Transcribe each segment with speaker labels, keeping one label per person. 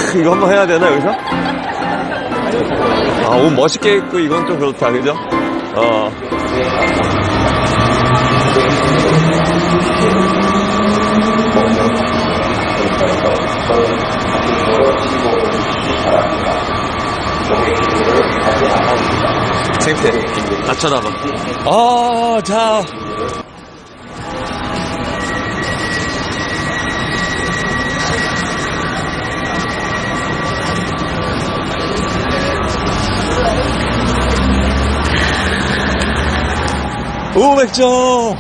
Speaker 1: 이거 한번 해야 되나, 여기서? 아, 옷 멋있게 입고 이건 좀 그렇다, 그죠? 창피해. 나 쳐다봐. 자. 오, 맥주!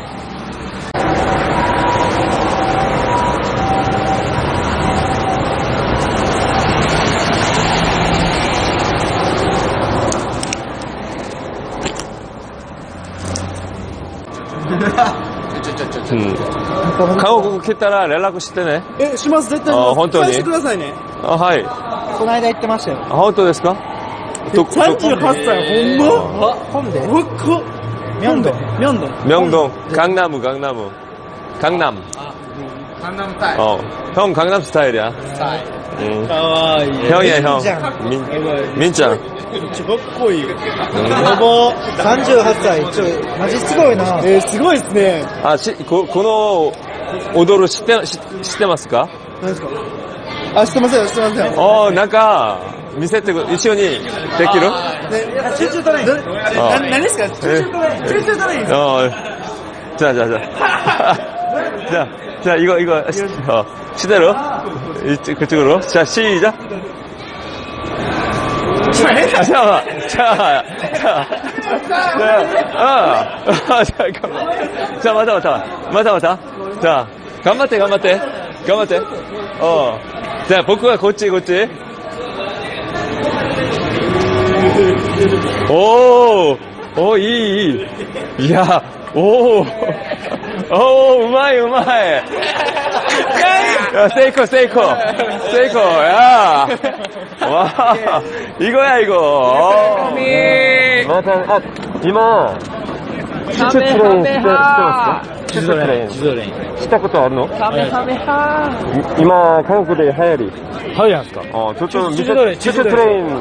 Speaker 1: 韓国来たら連絡してね。
Speaker 2: します、絶対。
Speaker 1: 本当に。
Speaker 2: 返してくださいね。
Speaker 1: はい。
Speaker 2: この間言ってましたよ。
Speaker 1: 本当ですか
Speaker 2: ？38歳、ほんま？本で？明洞。강남. 강남 스타일. 형 강남 스타일이야. 형이야, 형. 민짱. かっこいい。38歳、マジすごいな。すごいっすね。
Speaker 1: この踊る知ってますか？
Speaker 2: 何ですか？知ってません。
Speaker 1: なんか、見せて一緒にできる？
Speaker 2: 集中トレイン。何ですか？集中トレイン。
Speaker 1: 자, 이거, 시대로? 그쪽으로? 자, 시작! 잠깐만. 잠깐만. 맞아. 자, 간마떼. 자, 복구가 곧지. 이야, 우마이. 야, 세이코. 야. 와, 이거야, 이거. 이마. 추추 트레인 추추 트레인. したことあるの？今、韓国で流行り。
Speaker 3: はい、なんですか？
Speaker 1: ちょっと見せて、チュチュトレイン。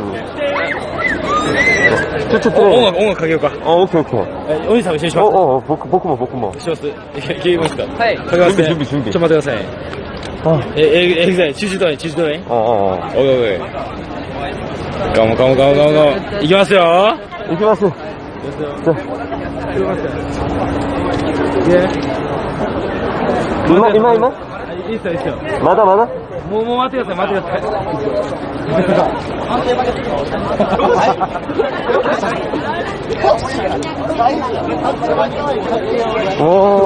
Speaker 3: 音楽かけようか。
Speaker 1: オッケー。
Speaker 3: お兄さん一緒にします。
Speaker 1: 僕も。
Speaker 3: します。いけますか？はい。かけますね。
Speaker 1: 準備。
Speaker 3: ちょっと待ってください。チューチュートレイン。おい。ガモ。いきますよ。
Speaker 1: 行きます。今
Speaker 3: いいっすよ。
Speaker 1: まだ
Speaker 3: もう待ってください。
Speaker 1: お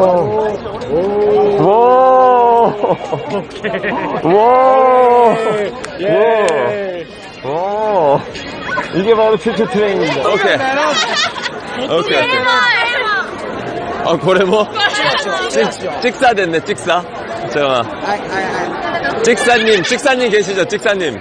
Speaker 1: 이게 바로 큐트 트레이닝입니다. 오케이. 고래 뭐? 찍사 됐네, 찍사. 잠깐만. 찍사님 계시죠, 찍사님?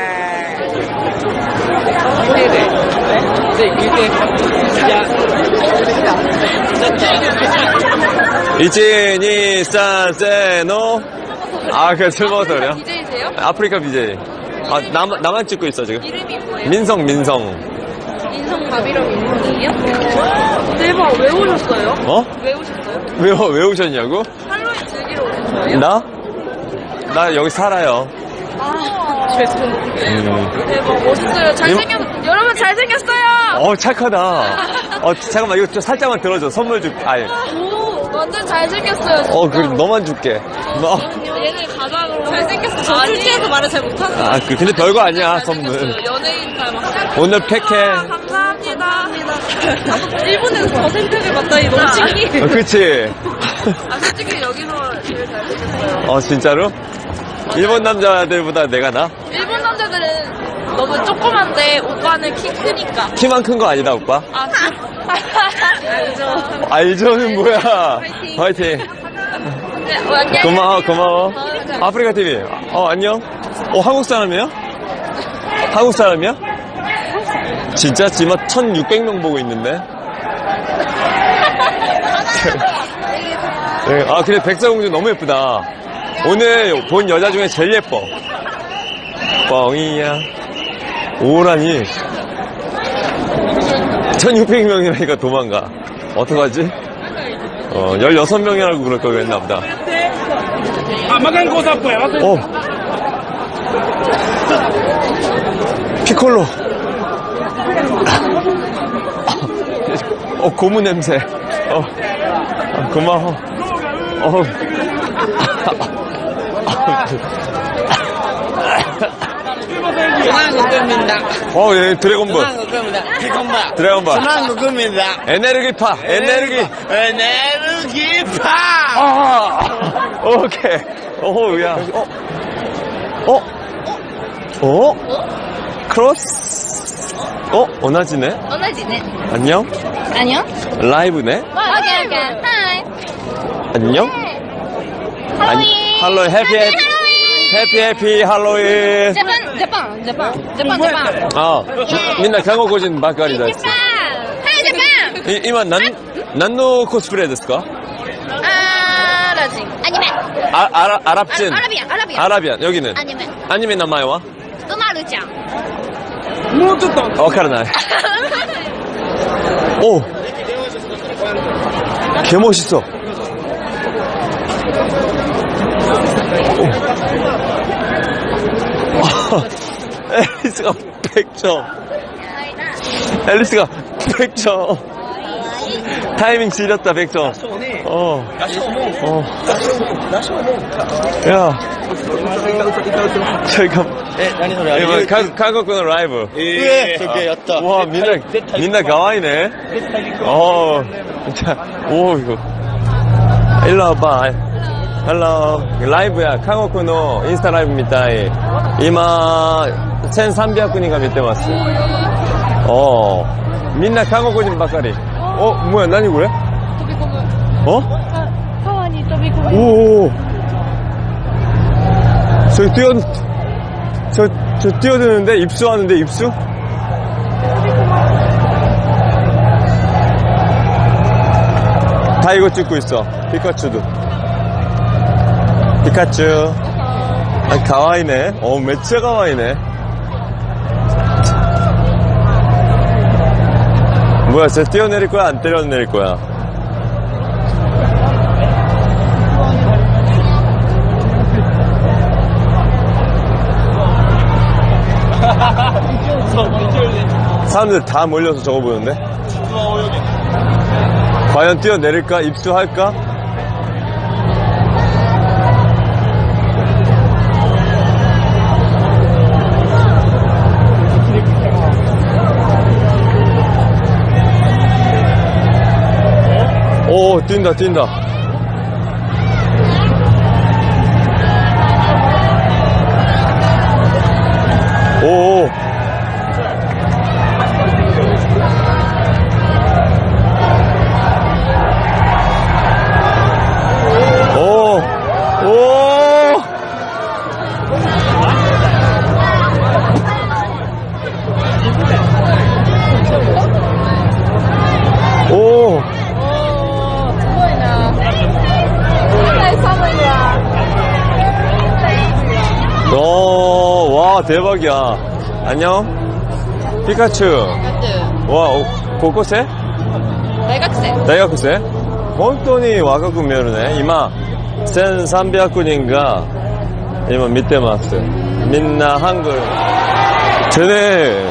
Speaker 1: 1, 2, 3, 세, 노. 술 먹어서 그래요?
Speaker 4: BJ세요?
Speaker 1: 아프리카 BJ. 나만 찍고 있어, 지금.
Speaker 4: 이름이 뭐예요?
Speaker 1: 민성.
Speaker 4: 민성 가비랑 민성이에요? 대박, 왜 오셨어요? 왜 오셨어요?
Speaker 1: 왜 오셨냐고?
Speaker 4: 할로윈 즐기러 오신 거예요?
Speaker 1: 나 여기 살아요.
Speaker 4: 죄송해요. 대박, 멋있어요. 여러분 잘생겼어요!
Speaker 1: 착하다. 잠깐만, 이거 좀 살짝만 들어줘. 선물 줄게.
Speaker 4: 오, 완전 잘생겼어요. 진짜.
Speaker 1: 그래, 너만 줄게.
Speaker 4: 얘는 가장으로 잘생겼어. 저 솔직해서 말을 잘 못하는.
Speaker 1: 근데 별거 아니야, 선물.
Speaker 4: 연예인 닮았어.
Speaker 1: 오늘 팩해.
Speaker 4: 감사합니다. 일본에서 더 생각을 받다니 너무 신기해.
Speaker 1: 그치?
Speaker 4: 솔직히 여기서 제일 잘생겼어요.
Speaker 1: 진짜로? 일본 남자들보다 내가 나?
Speaker 4: 일본 남자들은 너무 조그만데 오빠는 키 크니까.
Speaker 1: 키만 큰 거 아니다, 오빠?
Speaker 4: 알죠.
Speaker 1: 알죠는 뭐야? 화이팅.
Speaker 4: 네,
Speaker 1: 고마워. 아프리카 TV. 안녕. 한국 사람이에요? 한국 사람이야? 진짜? 지금 1600명 보고 있는데? 그래, 백설공주 너무 예쁘다. 오늘 본 여자 중에 제일 예뻐.
Speaker 3: 뻥이야. 오라니. 1600명이라니까 도망가. 어떡하지? 16명이라고 그럴 걸 그랬나 보다. 피콜로. 고무 냄새. 고마워. 예, 드래곤볼. 에너지파. 오케이. 야. 크로스? 오나지네?
Speaker 4: 오나지네.
Speaker 3: 안녕?
Speaker 4: 안녕?
Speaker 3: 라이브네?
Speaker 4: 오케이. 하이.
Speaker 3: 안녕?
Speaker 4: 할로윈.
Speaker 3: 할로윈, 해피 할로윈.
Speaker 4: 재pan.
Speaker 3: 민나 한국인 바까리です.
Speaker 4: 하이 재pan.
Speaker 3: 今何のコスプレですか?
Speaker 4: 아라진. 아니메.
Speaker 3: 아랍진. 아라비안. 여기는?
Speaker 4: 아니메.
Speaker 3: 아니메 名前は?
Speaker 4: 우마루짱.
Speaker 2: もうちょっと。
Speaker 3: わからない. 오. 개 멋있어. 앨리스가 100점. 앨리스가 100점. 타이밍 지렸다 100점. 야. 잠깐. 한국어 라이브. 와, 민나 가와이네. 진짜. 이거. 일로 와봐. 헬로. 라이브야. 한국어 인스타 라이브입니다. 이마 1300人が 見てます. 민나 한국인 ばかり. 뭐야, 나니 그래?
Speaker 4: 川に飛び込む.
Speaker 3: 오. 저 뛰어드는데? 입수하는데, 입수? 다 이거 찍고 있어. 피카츄도. 피카츄. 가와이네. 매짜 가와이네. 뭐야, 쟤 뛰어내릴 거야? 안 뛰어내릴 거야? 사람들 다 몰려서 저거 보는데? 과연 뛰어내릴까? 입수할까? 오, 뛴다. 오. 와, 대박이야. 안녕. 피카츄. 와, 고고생? 대학생? 本当に若く見えるね。今、1300人が今見てます。みんな한글。 쟤네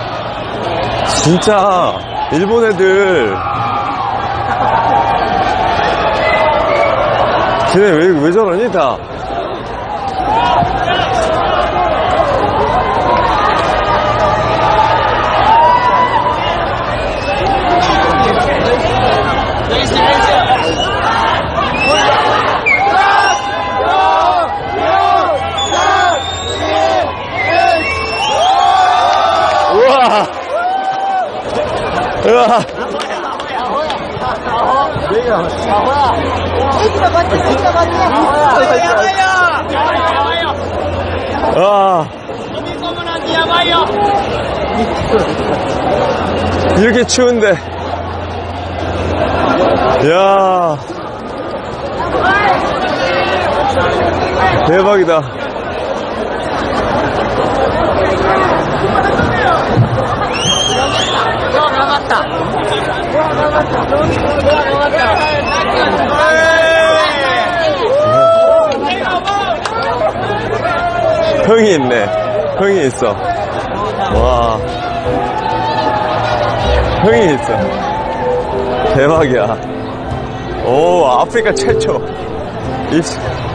Speaker 3: 진짜 일본 애들 쟤네 왜 저러니 다. 우와. 와. 이렇게 추운데. 야. 대박이다. 흥이 있네. 흥이 있어. 와. 흥이 있어. 대박이야. 오, 아프리카 최초.